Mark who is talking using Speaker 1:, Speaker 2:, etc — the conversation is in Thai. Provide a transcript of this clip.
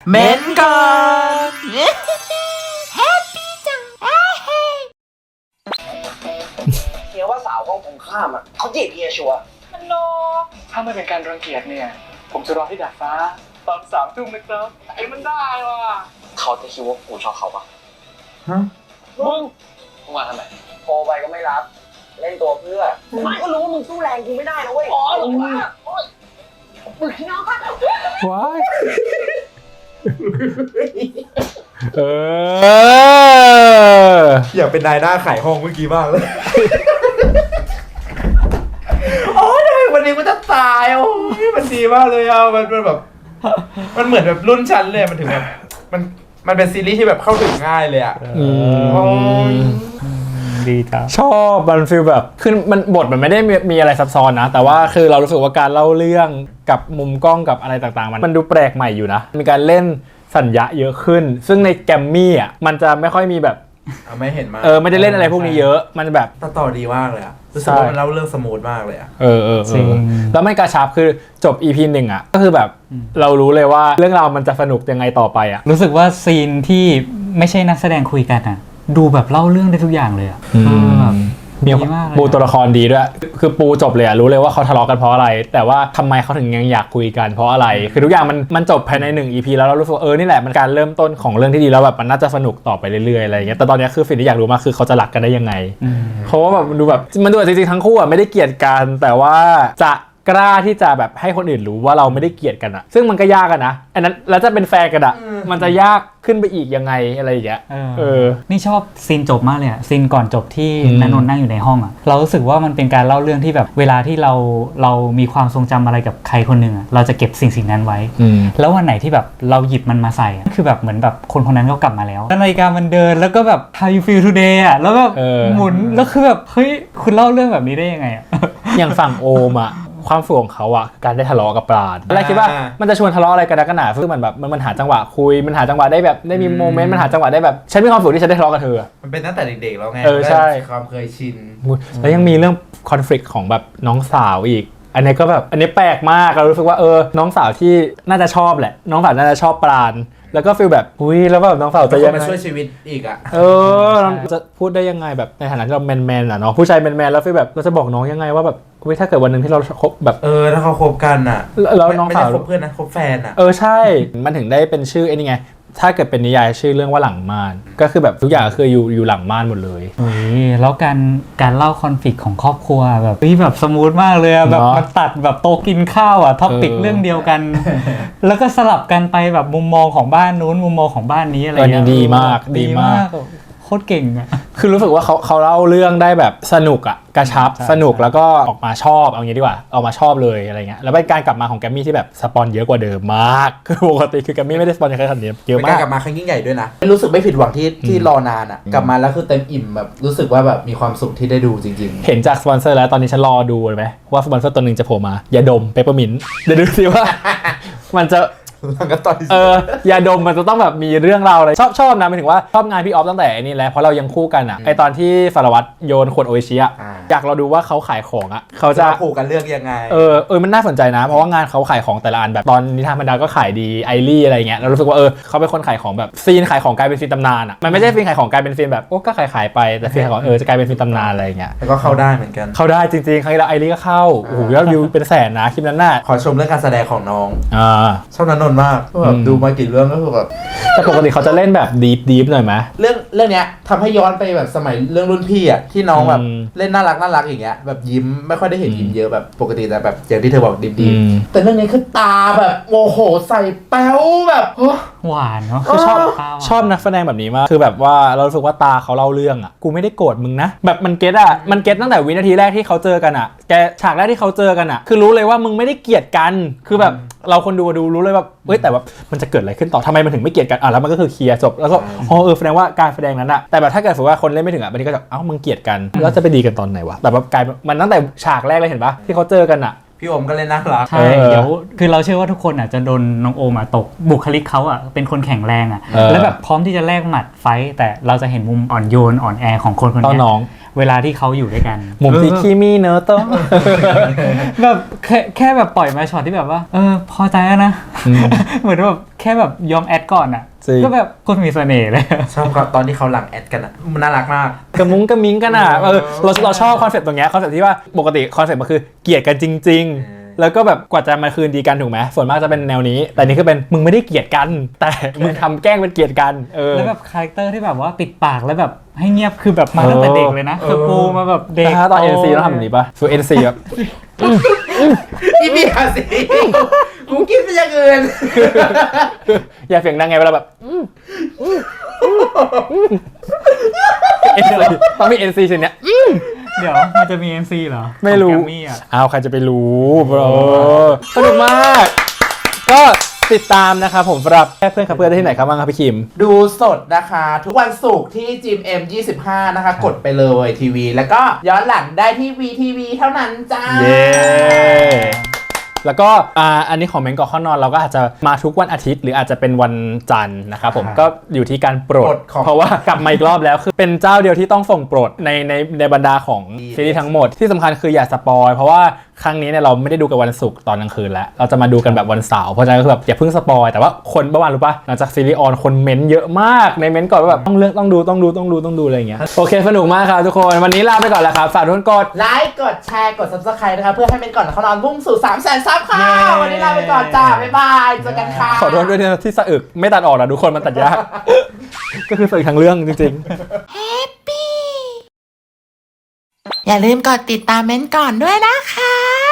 Speaker 1: เม้นก่อน
Speaker 2: แฮปปี้จัง
Speaker 3: เฮียว่าสาวห้องตรงข้ามอ่ะเขาจีบเฮียชัวร์มันโน
Speaker 4: ถ้าไม่เป็นการรังเกียจเนี่ยผมจะรอที่ดาดฟ้าตอน3 ทุ่มนะครับไอ้มันได้ว่ะ
Speaker 3: เขาจะคิดว่ากูชอบเขาปะ
Speaker 4: มึง
Speaker 3: มาทำไมโทรไปก็ไม่รับเล่นตัวเพื่อก็รู้ว่ามึงสู้แรงกูไม่ได้นะเว้ยอ๋อหรอวะมึงน้องกัน
Speaker 1: ว้าย
Speaker 5: อยากเป็นนายหน้าขายห้องเมื่อกี้มากเลยโอ้ยวันนี้มันจะตายโอ้ยมันดีมากเลยอ่ะมันแบบมันเหมือนแบบรุ่นชั้นเลยมันถึงแบบมันเป็นซีรีส์ที่แบบเข้าถึงง่ายเลยอ่ะ
Speaker 1: ดีจ้ะชอบมันฟีลแบบคือมันบทมันไม่ได้มีอะไรซับซ้อนนะแต่ว่าคือเรารู้สึกว่าการเล่าเรื่องกับมุมกล้องกับอะไรต่างๆมันดูแปลกใหม่อยู่นะมีการเล่นสัญญาเยอะขึ้นซึ่งในแกมมี่อ่ะมันจะไม่ค่อยมีแบบ
Speaker 5: ไม่เห็นมา
Speaker 1: ไม่ได้เล่นอะไรพวกนี้เยอะมันแบบ
Speaker 5: ต่อดีมากเลยอ่ะรู้สึกว่ามันเล่าเรื่องสมูทมากเลยอ่ะ
Speaker 1: แล้วไม่กระชับคือจบ EP 1อ่ะก็คือแบบเรารู้เลยว่าเรื่องราวมันจะสนุกยังไงต่อไปอ่ะ
Speaker 2: รู้สึกว่าซีนที่ไม่ใช่นักแสดงคุยกันอ่ะดูแบบเล่าเรื่องได้ทุกอย่างเลยอ่ะ
Speaker 1: มีปูตัวละครดีด้วยคือปูจบเลยรู้เลยว่าเขาทะเลาะกันเพราะอะไรแต่ว่าทำไมเขาถึงยังอยากคุยกันเพราะอะไรคือทุกอย่างมันจบภายใน1 EP แล้วเรารู้สึกนี่แหละมันการเริ่มต้นของเรื่องที่ดีแล้วแบบมันน่าจะสนุกต่อไปเรื่อยๆอะไรอย่างเงี้ยแต่ตอนนี้คือสิ่งที่อยากรู้มากคือเขาจะรักกันได้ยังไงเพราะว่าแบบมันดูจริงๆทั้งคู่ไม่ได้เกลียดกันแต่ว่าจะกล้าที่จะแบบให้คนอื่นรู้ว่าเราไม่ได้เกลียดกันอะซึ่งมันก็ยากอะนะอันนั้นแล้วจะเป็นแฟนกันอะมันจะยากขึ้นไปอีกยังไงอะไรอย่างเงี้ย
Speaker 2: นี่ชอบซีนจบมากเลยอะซีนก่อนจบที่ณนนท์นั่งอยู่ในห้องอะเรารู้สึกว่ามันเป็นการเล่าเรื่องที่แบบเวลาที่เรามีความทรงจำอะไรกับใครคนหนึ่งอะเราจะเก็บสิ่งนั้นไว้แล้ววันไหนที่แบบเราหยิบมันมาใส่คือแบบเหมือนแบบคนนั้นก็กลับมาแล้วนาฬิกามันเดินแล้วก็แบบ how you feel today อะแล้วแบบหมุนแล้วคือแบบเฮ้ยคุณเล่าเรื่องแบบนี้ได้ยังไงอะ
Speaker 1: อย่างฝั่งโอมอะความฝืนของเขาอะการได้ทะเลาะกับปราณอะไรคิดว่ามันจะชวนทะเลาะอะไรกันนักหนาซึ่งมันแบบมันหาจังหวะคุยมันหาจังหวะได้แบบได้มีโมเมนต์มันหาจังหวะได้แบบฉันมีความฝืนที่ฉันได้ทะเลาะกับเธอ
Speaker 5: มันเป็นตั้งแต่เด็กๆแล้วไง
Speaker 1: ใช่
Speaker 5: ความเคยชิน
Speaker 1: แล้วยังมีเรื่องคอนฟ lict ของแบบน้องสาวอีกอันนี้ก็แบบอันนี้แปลกมากเรารู้สึกว่าน้องสาวที่น่าจะชอบแหละน้องสาวน่าจะชอบปราณแล้วก็ฟีลแบบแล้วแบบน้องสาวจะยังไง
Speaker 5: มาช่วยชีวิตอีกอ่ะ
Speaker 1: จะพูดได้ยังไงแบบในฐานะที่เราแมนอ่ะเนาะผู้ชายแมนแล้วฟีลแบบเราจะบอกน้องยังไงว่าแบบถ้าเกิดวันนึงที่เราคบแบบ
Speaker 5: ถ้าเขาคบกันอ่ะ
Speaker 1: แล้วน้องสาว
Speaker 5: ไม่ได้คบเพื่อนนะคบแฟนอ่ะ
Speaker 1: ใช่มันถึงได้เป็นชื่อไอ้นี่ไงถ้าเกิดเป็นนิยายชื่อเรื่องว่าหลังม่านก็คือแบบทุกอย่างคืออยู่หลังม่านหมดเลย
Speaker 2: แล้วการเล่าคอนฟ lict ของครอบครัวแบบแบบสมูทมากเลยแบบมันตัดแบบโตกินข้าวอ่ะท็อปิกเรื่องเดียวกันแล้วก็สลับกันไปแบบมุมมองของบ้านนู้นมุมมองของบ้านนี้อะไรเงี้ย
Speaker 1: ดีมาก
Speaker 2: โคตรเก่งอ่ะ
Speaker 1: คือรู้สึกว่าเขาเล่าเรื่องได้แบบสนุกอ่ะกระชับสนุกแล้วก็ออกมาชอบเอางี้ดีกว่าออกมาชอบเลยอะไรเงี้ยแล้วเป็นการกลับมาของแกมมี่ที่แบบสปอนเยอะกว่าเดิมมากคือปกติคือแกมมี่ไม่ได้สปอนเยอะขนาดนี้เยอะมาก
Speaker 5: กลับมาครั้งยิ่งใหญ่ด้วยนะรู้สึกไม่ผิดหวังที่รอนานอ่ะกลับมาแล้วคือเต็มอิ่มแบบรู้สึกว่าแบบมีความสุขที่ได้ดูจริง
Speaker 1: ๆเห็นจากสปอนเซอร์แล้วตอนนี้ฉันรอดูเลยไหมว่าสปอนเซอร์ตัวนึงจะโผล่มายาดมเปปเปอร์มินต์เดี๋ยวดูสิว่ามันจะยาดมมันจะต้องแบบมีเรื่องราวอะไรชอบนะหมายถึงว่าชอบงานพี่ออฟตั้งแต่นี่แหละเพราะเรายังคู่กันอ่ะไอตอนที่สารวัตรโยนขวดโออิชิอ่ะอยากเราดูว่าเขาขายของอ่ะเขาจะ
Speaker 5: คู่กันเรื่องยังไง
Speaker 1: มันน่าสนใจนะเพราะว่างานเขาขายของแต่ละอันแบบตอนนิทานบรรดาก็ขายดีไอรี่อะไรเงี้ยเรารู้สึกว่าเขาเป็นคนขายของแบบซีนขายของกลายเป็นซีนตำนานอ่ะมันไม่ใช่ซีนขายของกลายเป็นซีนแบบก็ขายไปแต่ซีนขายของจะกลายเป็นซีนตำนานอะไรเงี้ย
Speaker 5: แล้วก็เข้าได้เหมือนกัน
Speaker 1: เข้าได้จริงๆครั้งที่แล้วไอรี่ก็เข้าโอ้โหยอดวิวเป็นแสนนะคลิปนั้นน่ะ
Speaker 5: ขอชมเรื่องการแสดงของน้องชอบณนนท์มากแบบดูมากี่เรื่องก็คือแบบ
Speaker 1: แต่ปกติเขาจะเล่นแบบดีฟหน่อยไหม
Speaker 5: เรื่องเนี้ยทำให้ย้อนไปแบบสมัยเรื่องรุ่นพี่อ่ะที่น้องแบบเล่นน่ารักอย่างเงี้ยแบบยิ้มไม่ค่อยได้เห็นยิ้มเยอะแบบปกติแต่แบบอย่างที่เธอบอกดีแต่เรื่องนี้คือตาแบบโมโหใส่แป๊วแบบ
Speaker 2: หวานเนาะ
Speaker 1: คือชอบนักแสดงแบบนี้มากคือแบบว่าเรารู้สึกว่าตาเขาเล่าเรื่องอ่ะกูไม่ได้โกรธมึงนะแบบมันเก็ตตั้งแต่วินาทีแรกที่เขาเจอกันอ่ะแกฉากแรกที่เขาเจอกันอ่ะคือรู้เลยว่ามึงไม่ได้เกลียดกันคือแบบเราคนดูรู้เลยแบบแต่แบบมันจะเกิดอะไรขึ้นต่อทำไมมันถึงไม่เกลียดกันแล้วมันก็คือเคลียร์จบแล้วก็แสดงว่าการแสดงนั้นอะแต่แบบถ้าเกิดสมมติว่าคนเล่นไม่ถึงอะวันนี้ก็จะมึงเกลียดกันแล้วจะไปดีกันตอนไหนวะแต่แบบกลายมันตั้งแต่ฉากแรกเลยเห็นปะที่เขาเจอกันอะ
Speaker 5: พี่โอมก็เล่นน่ารัก
Speaker 2: ใช่เดี๋ยวคือเราเชื่อว่าทุกคนอ่ะจะโดนน้องโอมตกบุคลิกเขาอ่ะเป็นคนแข็งแรงอ่ะแล้วแบบพร้อมที่จะแลกหมัดไฟแต่เราจะเห็นมุมอ่อนโยนอ่อนแอของคนนี้เวลาที่เขาอยู่ด้วยกัน
Speaker 1: มุมที่คีมีเนอะต้อง
Speaker 2: แบบแค่แบบปล่อยมาช็อตที่แบบว่าพอใจแล้วนะ เหมือนแบบแค่แบบยอมแอดก่อนอ่ะ
Speaker 1: จริง
Speaker 2: ก็แบบคนมีเสน่ห์เลย
Speaker 5: ชอบตอนที่เขาหลังแอดกันอ่ะมันน่ารักมาก
Speaker 1: กระมุ้งกระมิ้งกันอ่ะเราชอบคอนเซ็ปต์ตรงเนี้ยคอนเซ็ปต์ที่ว่าปกติคอนเซ็ปต์มันคือเกลียดกันจริง ๆ แล้วก็แบบกว่าจะมาคืนดีกันถูกไหมส่วนมากจะเป็นแนวนี้ แต่นี่คือเป็นมึงไม่ได้เกลียดกัน แต่มึงทำแกล้งเป็นเกลียดกัน
Speaker 2: แล้วแบบคาแรคเตอร์ที่แบบว่าปิดปากแล้วแบบให้เงียบคือแบบมาตั้งแต่เด็กเลยนะคือปูมาแบบเด็ก
Speaker 1: ถ้าตอน NC ต้องทำแบบนี้ป่ะส่วน NC แบบ
Speaker 5: อีเบียสิกูคิดไปอย่างอื่น
Speaker 1: อย่าเสียงดังไงเวลาแบบ NC ต้องมี NC ชิ้นเนี้ย
Speaker 2: เดี๋ยวมันจะมี NC เหรอ
Speaker 1: ไม่รู้
Speaker 2: ของแกมมี่อ่ะ
Speaker 1: อ้าวใครจะไปรู้บรสนุกมาก ก็ติดตามนะครับผมสำหรับแค่เพื่อนครับเพื่อนได้ที่ไหนครับบ้างครับพี่คิม
Speaker 5: ดูสดนะคะ ทุกวันศุกร์ที่ GMM 25 นะคะ กดไปเลยทีวี แล้วก็ย้อนหลังได้ที่ VTV เท่านั้นจ้า
Speaker 1: เย้ แล้วก็อันนี้ของเมนก่อนข้อนอนเราก็อาจจะมาทุกวันอาทิตย์หรืออาจจะเป็นวันจันทร์นะครับผมก็อยู่ที่การโปรด เพราะว่ากลับมาอีกรอบแล้วคือเป็นเจ้าเดียวที่ต้องส่งโปรดในบรรดาของซีรีส์ทั้งหมดที่สำคัญคืออย่าสปอยเพราะว่าครั้งนี้เนี่ยเราไม่ได้ดูกันวันศุกร์ตอนกลางคืนแล้วเราจะมาดูกันแบบวันเสาร์เพราะฉะนั้นคือแบบอย่าเพิ่งสปอยแต่ว่าคนเมื่อวานรู้ป่ะหลังจากซีรีส์ออนคนเม้นเยอะมากในเม้นก่อนว่าแบบต้องเลือกต้องดูอะไรอย่างเงี้ยโอเคสนุกมากครับทุกคนวันนี้ลาไปก่อนแล้วครับฝากทุกคนกด
Speaker 5: ไลค์กดแชร์กด Subscribe นะคะ เพื่อให้เป็นก่อนเขานอนมุ่งสู่ 300,000 ซับค่ะ วันนี้ลาไปก่อนจ้า บ๊ายบาย เจอกันค่ะ
Speaker 1: ขอโทษด้วยนะที่สะอึกไม่ตัดออกนะทุกคนมันตัดยาก ก็คือสะอึกทั้งเรื่องจริงๆ
Speaker 6: อย่าลืมกดติดตามเม้นท์ก่อนด้วยนะคะ